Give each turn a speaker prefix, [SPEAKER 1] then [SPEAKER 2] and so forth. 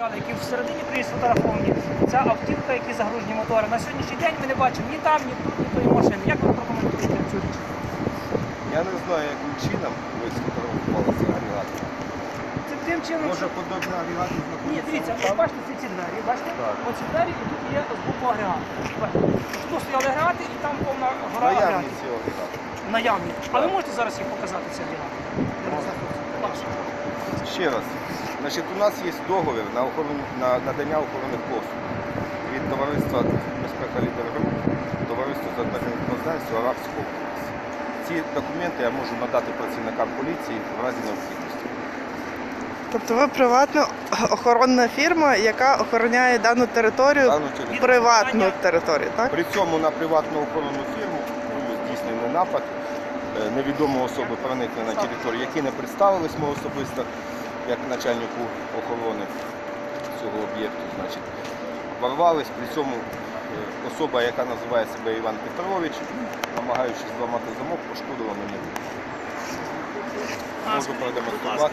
[SPEAKER 1] матеріали, які всередині приїзд сфотографовані. Ця автівка, які загружені мотори. На сьогоднішній день ми не бачимо ні там, ні тут, ні тої машини. Як ви прокоментуєте цю річ?
[SPEAKER 2] Я не знаю, яким чином ви сфотографували цей агрегат.
[SPEAKER 1] Це тим чином,
[SPEAKER 2] Може, подобний агрегат
[SPEAKER 1] Ні,
[SPEAKER 2] знаходиться?
[SPEAKER 1] дивіться, ви бачите ці двері, бачите?
[SPEAKER 2] Так.
[SPEAKER 1] Оці двері і тут є з боку агрегат. Бачите? Тут стояли агрегати і там повна гора
[SPEAKER 2] Наявні
[SPEAKER 1] агрегатів.
[SPEAKER 2] ці агрегати.
[SPEAKER 1] Наявні. А ви можете зараз їх показати, ці агрегати? Ваші.
[SPEAKER 2] Ще раз. Значить, у нас є договір на надання охоронних послуг від товариства безпека Лідергруп, товариства з обмеженою відповідальністю Арабського області. Ці документи я можу надати працівникам поліції в разі необхідності.
[SPEAKER 3] Тобто ви приватна охоронна фірма, яка охороняє дану територію,
[SPEAKER 2] Дану територію.
[SPEAKER 3] приватну територію, так?
[SPEAKER 2] При цьому на приватну охоронну фірму був здійснений напад. Невідомі особи проникли на територію, які не представились ми особисто, як начальнику охорони цього об'єкту. Значить, ворвались, при цьому особа, яка називає себе Іван Петрович, намагаючись зламати замок, пошкодила мені. Можу продемонструвати.